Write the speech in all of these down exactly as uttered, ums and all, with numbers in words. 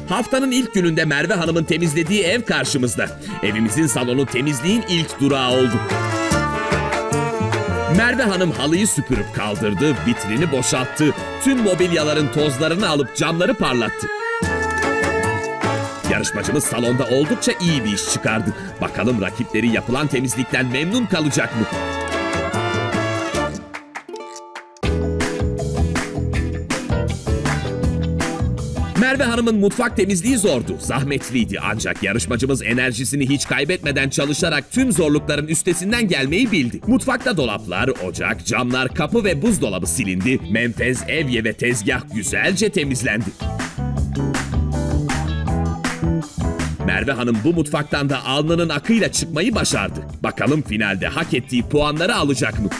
Haftanın ilk gününde Merve Hanım'ın temizlediği ev karşımızda. Evimizin salonu temizliğin ilk durağı oldu. Merve Hanım halıyı süpürüp kaldırdı, vitrini boşalttı, tüm mobilyaların tozlarını alıp camları parlattı. Yarışmacımız salonda oldukça iyi bir iş çıkardı. Bakalım rakipleri yapılan temizlikten memnun kalacak mı? Merve Hanım'ın mutfak temizliği zordu, zahmetliydi ancak yarışmacımız enerjisini hiç kaybetmeden çalışarak tüm zorlukların üstesinden gelmeyi bildi. Mutfakta dolaplar, ocak, camlar, kapı ve buzdolabı silindi. Menfez, evye ve tezgah güzelce temizlendi. Merve Hanım bu mutfaktan da alnının akıyla çıkmayı başardı. Bakalım finalde hak ettiği puanları alacak mı?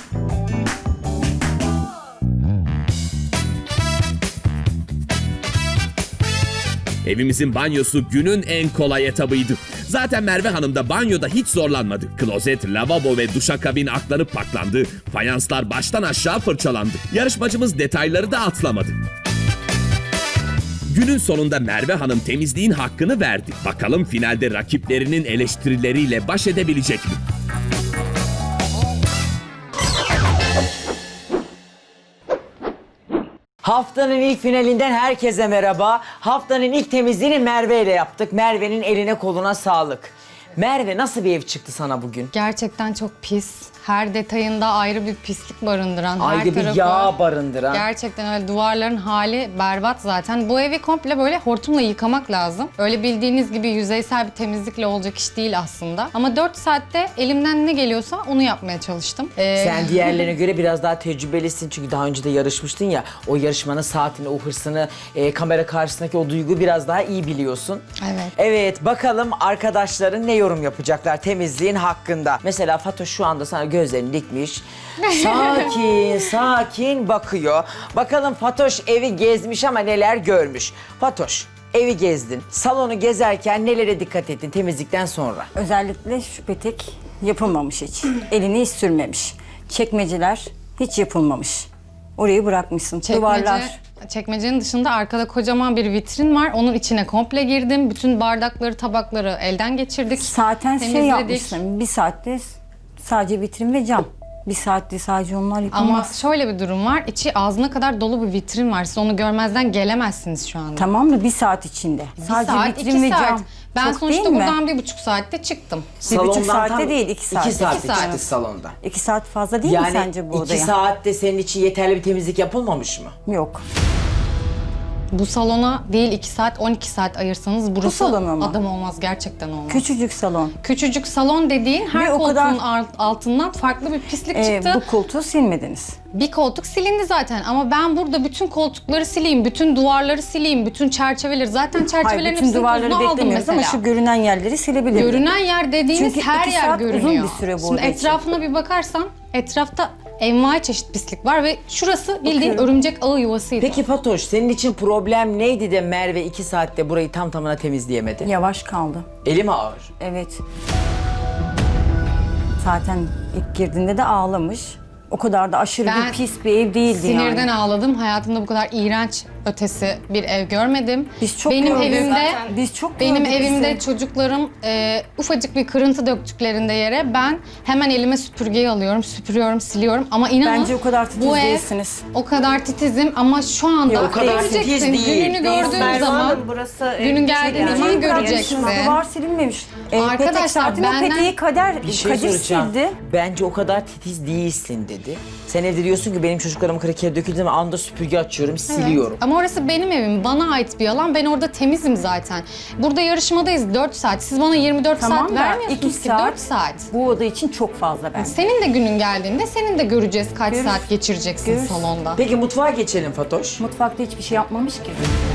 Evimizin banyosu günün en kolay etabıydı. Zaten Merve Hanım da banyoda hiç zorlanmadı. Klozet, lavabo ve duşakabin aklanıp paklandı. Fayanslar baştan aşağı fırçalandı. Yarışmacımız detayları da atlamadı. Günün sonunda Merve Hanım temizliğin hakkını verdi. Bakalım finalde rakiplerinin eleştirileriyle baş edebilecek mi? Haftanın ilk finalinden herkese merhaba. Haftanın ilk temizliğini Merve ile yaptık. Merve'nin eline koluna sağlık. Merve, nasıl bir ev çıktı sana bugün? Gerçekten çok pis. Her detayında ayrı bir pislik barındıran. Ayrı her bir tarafı, yağ barındıran. Gerçekten öyle, duvarların hali berbat zaten. Bu evi komple böyle hortumla yıkamak lazım. Öyle bildiğiniz gibi yüzeysel bir temizlikle olacak iş değil aslında. Ama dört saatte elimden ne geliyorsa onu yapmaya çalıştım. Ee, Sen diğerlerine göre biraz daha tecrübelisin çünkü daha önce de yarışmıştın ya. O yarışmanın saatini, o hırsını, e, kamera karşısındaki o duyguyu biraz daha iyi biliyorsun. Evet. Evet, bakalım arkadaşların ne yorum yapacaklar temizliğin hakkında. Mesela Fatoş şu anda sana gözlerini dikmiş. Sakin, sakin bakıyor. Bakalım Fatoş evi gezmiş ama neler görmüş. Fatoş, evi gezdin. Salonu gezerken nelere dikkat ettin temizlikten sonra? Özellikle şu petek yapılmamış hiç. Elini hiç sürmemiş. Çekmeceler hiç yapılmamış. Orayı bırakmışsın. Çekmece, Duvarlar. çekmecenin dışında arkada kocaman bir vitrin var. Onun içine komple girdim. Bütün bardakları, tabakları elden geçirdik. Zaten şey temizledik. yapmışsın. Bir saatte sadece vitrin ve cam. Bir saatte sadece onlar Ama yapılmaz. şöyle bir durum var. İçi ağzına kadar dolu bir vitrin var. Siz onu görmezden gelemezsiniz şu anda. Tamam mı? Bir saat içinde. Bir sadece saat, vitrin iki ve saat. cam. Ben Çok sonuçta değil mi? buradan bir buçuk saatte çıktım. Bir buçuk Salondan saatte tam değil, iki saat. İki saatte İki saat. çıktık salondan. İki saat fazla değil mi Yani sence bu iki odaya? saatte senin için yeterli bir temizlik yapılmamış mı? Yok. Bu salona değil iki saat, on iki saat ayırsanız burası salona mı? adam olmaz, gerçekten olmaz. Küçücük salon. Küçücük salon dediğin her Ve o koltuğun kadar- alt- altından farklı bir pislik Ee, çıktı. bu koltuğu silmediniz. Bir koltuk silindi zaten ama ben burada bütün koltukları sileyim, bütün duvarları sileyim, bütün çerçeveleri. Zaten Hayır, çerçevelerin bütün hepsini duvarları tozunu aldım beklemiyoruz mesela. ama şu görünen yerleri silebiliriz. Görünen yer dediğiniz Çünkü her iki yer saat uzun görünüyor. bir süre bu Şimdi oda için. etrafına bir bakarsan etrafta envai çeşit pislik var ve şurası bildiğin Bakıyorum. örümcek ağı yuvasıydı. Peki Fatoş, senin için problem neydi de Merve iki saatte burayı tam tamına temizleyemedi? Yavaş kaldı. Eli mi ağır? Evet. Zaten ilk girdiğinde de ağlamış. O kadar da aşırı Ben bir pis bir ev değildi Sinirden yani. ağladım. Hayatımda bu kadar iğrenç ötesi bir ev görmedim. Biz çok benim gördük. evimde Zaten biz çok benim gördük evimde bizi. çocuklarım e, ufacık bir kırıntı döktüklerinde yere ben hemen elime süpürgeyi alıyorum, süpürüyorum, siliyorum ama inanın Bence o kadar titiz bu ev değilsiniz. o kadar titizim ama şu anda Yok, o kadar titiz göreceksin. değil. Gününü gördüğün Merve zaman Hanım, burası günün geldiği zaman göreceksin. Duvar silinmemiş. Ee, Arkadaşlar, petek zaten o benden- peteği kader, Bir şey Kadir soracağım. sildi. Bence o kadar titiz değilsin dedi. Sen evde diyorsun ki benim çocuklarım kraker döküldü ama anda süpürge açıyorum, siliyorum. Ama orası benim evim, bana ait bir alan. Ben orada temizim zaten. Burada yarışmadayız dört saat. Siz bana yirmi dört Tamam saat da vermiyorsunuz iki ki saat. dört saat. Bu oda için çok fazla bence. Senin de günün geldiğinde senin de göreceğiz kaç Görürüz. saat geçireceksin Görürüz. salonda. Peki mutfağa geçelim Fatoş. Mutfakta hiçbir şey yapmamış ki.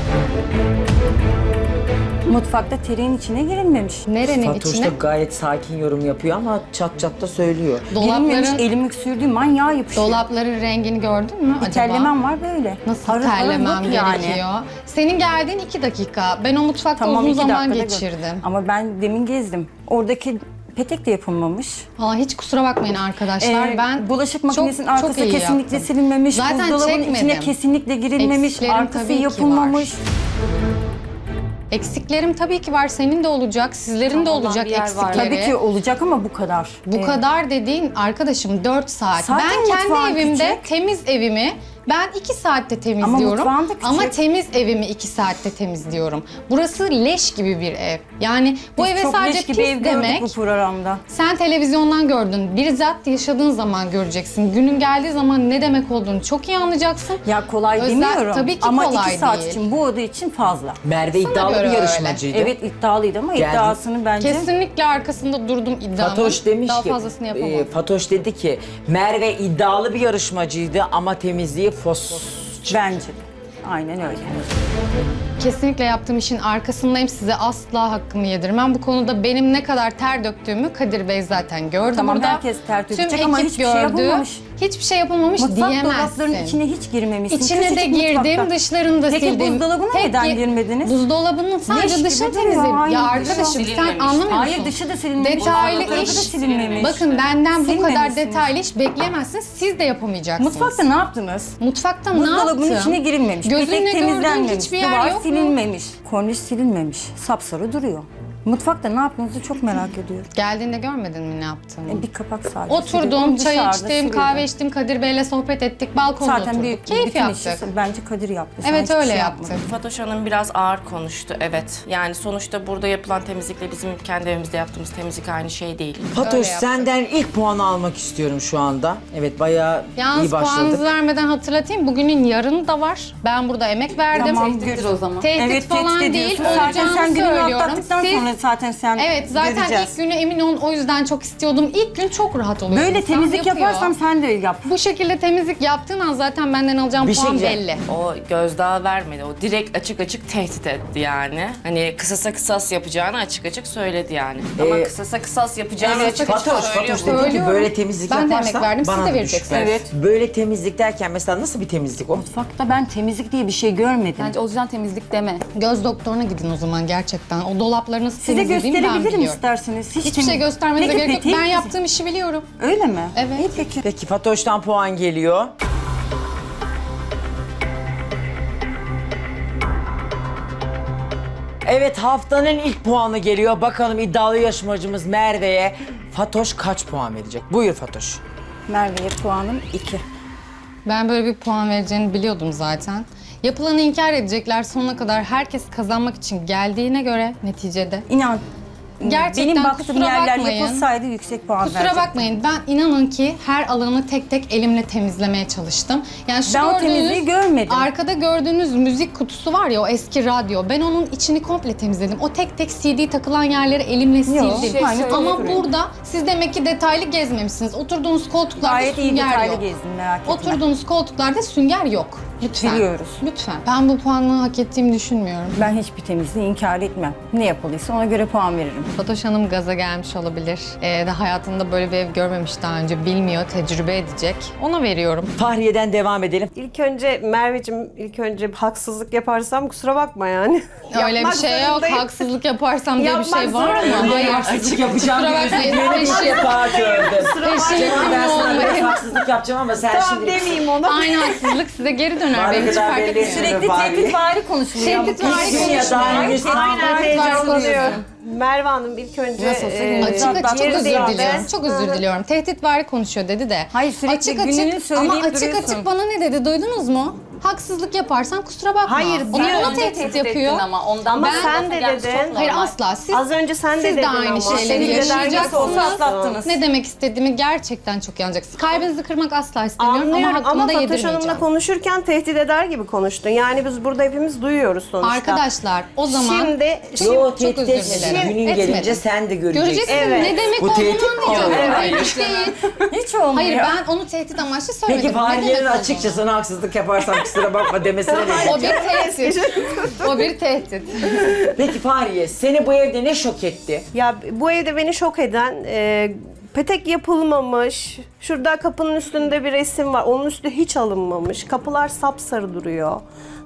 Mutfakta tereyin içine girilmemiş. Nerenin Fatoş içine? da gayet sakin yorum yapıyor ama çat çat da söylüyor. Girilmemiş, Dolapların, elimi sürdüğüm an yağ yapışıyor. dolapların rengini gördün mü Bir acaba? terlemem var böyle. Nasıl Harıl harıl terlemem yok yani. gerekiyor? Senin geldiğin iki dakika. Ben o mutfakta uzun iki zaman dakikada gör. geçirdim. Ama ben demin gezdim. Oradaki petek de yapılmamış. Aa, hiç kusura bakmayın arkadaşlar. Ee, ben bulaşık makinesinin çok- çok arkası iyi kesinlikle yaptım. silinmemiş. Zaten Buzdolabının çekmedim. içine kesinlikle girilmemiş. Eksiklerim Arkası tabii ki yapılmamış. Eksiklerim tabii ki var. Senin de olacak, sizlerin de Olan olacak bir yer var. eksikleri. Tabii ki olacak ama bu kadar. Bu kadar dediğin arkadaşım dört saat. Zaten ben kendi mutfağın evimde küçük. temiz evimi ben iki saatte temizliyorum. mutfağın da küçük. Ama temiz evimi iki saatte temizliyorum. Burası leş gibi bir ev. Yani bu Biz eve çok sadece leş gibi pis ev gördük demek. bu programda. Sen televizyondan gördün. Bizzat yaşadığın zaman göreceksin. Günün geldiği zaman ne demek olduğunu çok iyi anlayacaksın. Ya kolay Özel- demiyorum tabii ki ama kolay iki saat değil. için bu oda için fazla. Merve iddialı göre bir öyle. yarışmacıydı. Evet iddialıydı ama Geldi. iddiasını bence... Kesinlikle arkasında durdum iddiamın. Fatoş demiş Daha ki, fazlasını yapamam. e, Fatoş dedi ki Merve iddialı bir yarışmacıydı ama temizliği fos. Bence de. Aynen öyle. Kesinlikle yaptığım işin arkasındayım. Size asla hakkımı yedirmem. Bu konuda benim ne kadar ter döktüğümü Kadir Bey zaten gördü Tamam, burada. herkes ter dökecek Tüm ama ekip hiçbir şey yapılmamış. Hiçbir şey yapılmamış Mutfak diyemezsin. dolaplarının içine hiç girmemişsin. İçine de Küçücük girdim, mutfakta. dışlarını da Peki sildim. buzdolabına Tek neden gi- girmediniz? Buzdolabının Leş sadece gibi dışını duruyor, temizledim. aynı Ya dışı. arkadaşım sen Silinmemiş. anlamıyorsun. Hayır dışı da silinmemiş. Detaylı alt tarafı da iş. silinmemiş. Bakın benden bu kadar Silmemişsiniz. detaylı iş bekleyemezsiniz. Siz de yapamayacaksınız. Mutfakta ne yaptınız? Mutfakta ne yaptım? Buzdolabının içine girilmemiş. Gözünle Petek gördüğün temizlenmemiş. hiçbir yer Duvar yok mu? silinmemiş. Korniş silinmemiş. Sapsarı duruyor. Mutfakta ne yaptığınızı çok merak ediyorum. Geldiğinde görmedin mi ne yaptığımı? E, bir kapak sadece. Oturdum, siliyordum, çay dışarıda içtim, siliyordum. kahve içtim, Kadir Bey'le sohbet ettik, balkonda Zaten oturduk. büyük Keyif bütün yaptık. işi bence Kadir yaptı. Sen Evet hiçbir öyle şey yaptık. yapmadın. Fatoş Hanım biraz ağır konuştu, evet. Yani sonuçta burada yapılan temizlikle bizim kendi evimizde yaptığımız temizlik aynı şey değil. Fatoş Öyle yaptık. senden ilk puanı almak istiyorum şu anda. Evet bayağı Yalnız iyi başladık. puanınızı vermeden hatırlatayım. Bugünün yarını da var. Ben burada emek verdim. Tamam, Tehdit o zaman. Tehdit Evet, falan tehdit değil. ediyorsun. Zaten Olacağını sen gününü söylüyorum. atlattıktan Siz- sonra zaten sen Evet zaten göreceğiz. ilk günü emin olun o yüzden çok istiyordum. İlk gün çok rahat oluyor. Böyle İnsan temizlik yapıyor. yaparsam sen de yap. Bu şekilde temizlik yaptığın an zaten benden alacağım Bir şey puan diyeceğim. belli. O gözdağı vermedi, o direkt açık açık tehdit etti yani. Hani kısasa kısas yapacağını açık açık söyledi yani. Ama Ee, kısasa kısas yapacağını Evet, açık açık Fatoş, söylüyor. Fatoş dedi ki Söylüyorum. böyle temizlik Ben de yaparsan emek verdim, siz bana de da vereceksiniz. düşük ver. Evet. Böyle temizlik derken mesela nasıl bir temizlik o? Mutfakta ben temizlik diye bir şey görmedim. Bence o yüzden temizlik deme. Göz doktoruna gidin o zaman gerçekten. O dolapları nasıl Size temizlediğimi ben gösterebilirim biliyorum. isterseniz. Hiç Hiçbir şey temiz- göstermenize Peki, gerek yok. peki. Ben yaptığım işi biliyorum. Öyle mi? Evet. İyi peki. Peki Fatoş'tan puan geliyor. Evet haftanın ilk puanı geliyor. Bakalım iddialı yarışmacımız Merve'ye Fatoş kaç puan verecek? Buyur Fatoş. Merve'ye puanım iki. Ben böyle bir puan vereceğini biliyordum zaten. Yapılanı inkar edecekler sonuna kadar herkes kazanmak için geldiğine göre neticede. İnan. Gerçekten benim baktığım kusura yerler bakmayın. yapılsaydı yüksek puan Kusura verecektim. bakmayın ben inanın ki her alanı tek tek elimle temizlemeye çalıştım. Yani şu Ben o gördüğünüz, temizliği görmedim. Arkada gördüğünüz müzik kutusu var ya o eski radyo. Ben onun içini komple temizledim. O tek tek C D takılan yerleri elimle Yok, sildim. şey söyle- Ama söyle. burada siz demek ki detaylı gezmemişsiniz. Oturduğunuz koltuklarda Gayet iyi sünger detaylı yok. gezdim merak etme. Oturduğunuz koltuklarda sünger yok. Lütfen. Biliyoruz. Lütfen. Ben bu puanı hak ettiğimi düşünmüyorum. Ben hiçbir temizliği inkar etmem. Ne yapıldıysa ona göre puan veririm. Fatoş Hanım gaza gelmiş olabilir. Ee, de hayatında böyle bir ev görmemiş daha önce. Bilmiyor, tecrübe edecek. Ona veriyorum. Fahriye'den devam edelim. İlk önce Merveciğim, ilk önce haksızlık yaparsam kusura bakma yani. Öyle bir Yapmak şey yok. zorundayım. Haksızlık yaparsam diye bir Yapmak şey var mı? zorundayım. Hayır. Haksızlık yapacağım Kusura diye bakmayın. üzüldüğünü ilk Eşim- defa gördüm. Eşim Canım ben sana biraz olmayın. haksızlık yapacağım ama sen Tamam şimdi... demeyeyim ona. Aynı haksızlık size geri döner. Bari Benim hiç kadar fark belli etmiyor. etmiyor. Sürekli Bari. tehditvari konuşuluyor. Tehdit ama. var Hiç dünya daha henüz Aynen Tehdit var heyecanlanıyorum. konuşuyorum. Merve Hanım ilk önce... Nasıl olsa e, Açık açık çok yeri özür değildi. diliyorum. Çok özür diliyorum. Tehditvari konuşuyor dedi de. Hayır, sürekli gününü söyleyip ama açık duruyorsun. açık bana ne dedi duydunuz mu? Haksızlık yaparsan kusura bakma. Hayır, O da diyor. bana Önce tehdit yapıyor. Ama ondan Ama ben sen de dedin. Hayır asla. Siz, Az önce sen de siz dedin de aynı ama. şeyleri Şimdi de Nasıl olsa yaşayacaksınız. atlattınız. Ne demek istediğimi gerçekten çok iyi anlayacaksınız. Kalbinizi kırmak asla istemiyorum Anlıyorum ama ama, hakkımı da Fatoş yedirmeyeceğim. Hanım'la konuşurken tehdit eder gibi konuştun. Yani biz burada hepimiz duyuyoruz sonuçta. Arkadaşlar o zaman Şimdi, Şimdi Yo çok tehdit özür etmedin. dilerim. Günün Etmedim. gelince sen de göreceksin. Göreceksin Evet. ne demek Bu olduğunu tehdit mi anlayacaksın. oluyor? Hayır hiç değil. Hiç olmuyor. Hayır ben onu tehdit amaçlı söylemedim. Peki Ne Fahriye'nin demek açıkça olduğunu. sana haksızlık yaparsam kusura bakma demesine ne? O bir tehdit. O bir tehdit. Peki Fahriye seni bu evde ne şok etti? Ya bu evde beni şok eden e, petek yapılmamış. Şurada kapının üstünde bir resim var. Onun üstü hiç alınmamış. Kapılar sapsarı duruyor.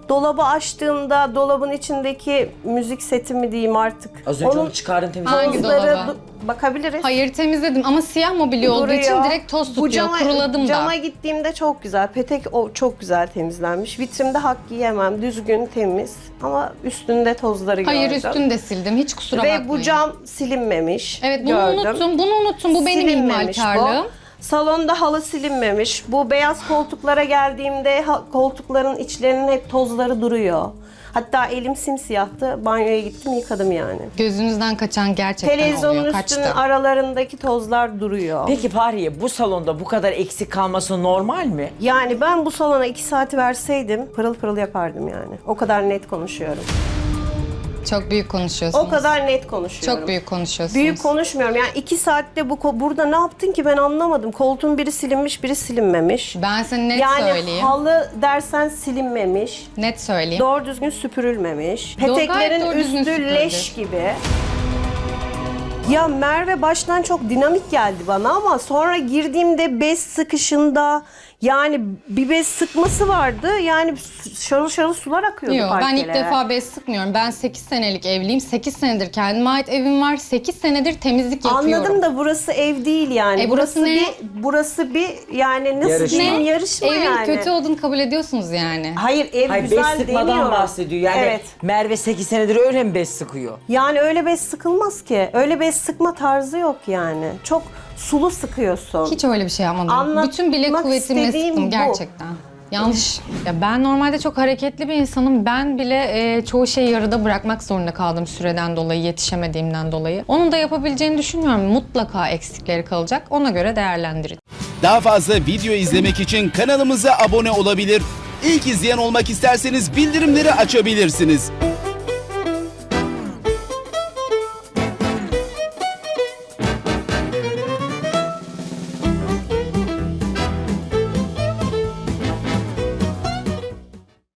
Dolabı açtığımda dolabın içindeki müzik seti mi diyeyim artık. Az önce onu çıkardın temizledin. Hangi tozları dolaba? du- bakabiliriz. Hayır temizledim ama siyah mobilya olduğu için Duruyor. direkt toz Bu tutuyor. cama, Kuruladım da. Cama gittiğimde çok güzel. Petek o çok güzel temizlenmiş. Vitrinde hak yiyemem. Düzgün, temiz. Ama üstünde tozları Hayır gördüm. üstünü de sildim. Hiç kusura Ve bakmayın. bu cam silinmemiş. Evet bunu gördüm. unuttum. Bunu unuttum. Bu benim Silinmemiş ihmalkarlığım. bu. Salonda halı silinmemiş. Bu beyaz koltuklara geldiğimde ha- koltukların içlerinin hep tozları duruyor. Hatta elim simsiyahtı. Banyoya gittim yıkadım yani. Gözünüzden kaçan gerçekten Televizyonun oluyor. üstünün Kaçtı. aralarındaki tozlar duruyor. Peki Fahriye bu salonda bu kadar eksik kalması normal mi? Yani ben bu salona iki saati verseydim pırıl pırıl yapardım yani. O kadar net konuşuyorum. Çok büyük konuşuyorsunuz. O kadar net konuşuyorum. Çok büyük konuşuyorsunuz. Büyük konuşmuyorum. Yani iki saatte bu ko- burada ne yaptın ki ben anlamadım. Koltuğun biri silinmiş, biri silinmemiş. Ben sana net yani söyleyeyim. halı dersen silinmemiş. Net söyleyeyim. Doğru düzgün süpürülmemiş. Doğru, gayet Peteklerin doğru düzgün üstü süpürüldü. leş gibi. Ya Merve baştan çok dinamik geldi bana ama sonra girdiğimde bez sıkışında yani bir bez sıkması vardı. Yani şarıl şarıl sular akıyordu Yok ben parkelere. ilk defa bez sıkmıyorum. Ben sekiz senelik evliyim. sekiz senedir kendime ait evim var. sekiz senedir temizlik yapıyorum. Anladım da burası ev değil yani. E, burası ne? bir burası bir yani nasıl Yarışma. diyeyim Ne? yarışma Evin yani. kötü olduğunu kabul ediyorsunuz yani. Hayır ev Hayır bez güzel sıkmadan demiyorum. bahsediyor. Yani Evet. Merve sekiz senedir öyle mi bez sıkıyor? Yani öyle bez sıkılmaz ki. Öyle bez sıkma tarzı yok yani. Çok sulu sıkıyorsun. Hiç öyle bir şey yapmadım. Anlatmak Bütün bilek kuvvetimle istediğim sıktım bu. gerçekten. Yanlış. Ya ben normalde çok hareketli bir insanım. Ben bile e, çoğu şeyi yarıda bırakmak zorunda kaldım süreden dolayı, yetişemediğimden dolayı. Onun da yapabileceğini düşünmüyorum. Mutlaka eksikleri kalacak. Ona göre değerlendirin. Daha fazla video izlemek için kanalımıza abone olabilir. İlk izleyen olmak isterseniz bildirimleri açabilirsiniz.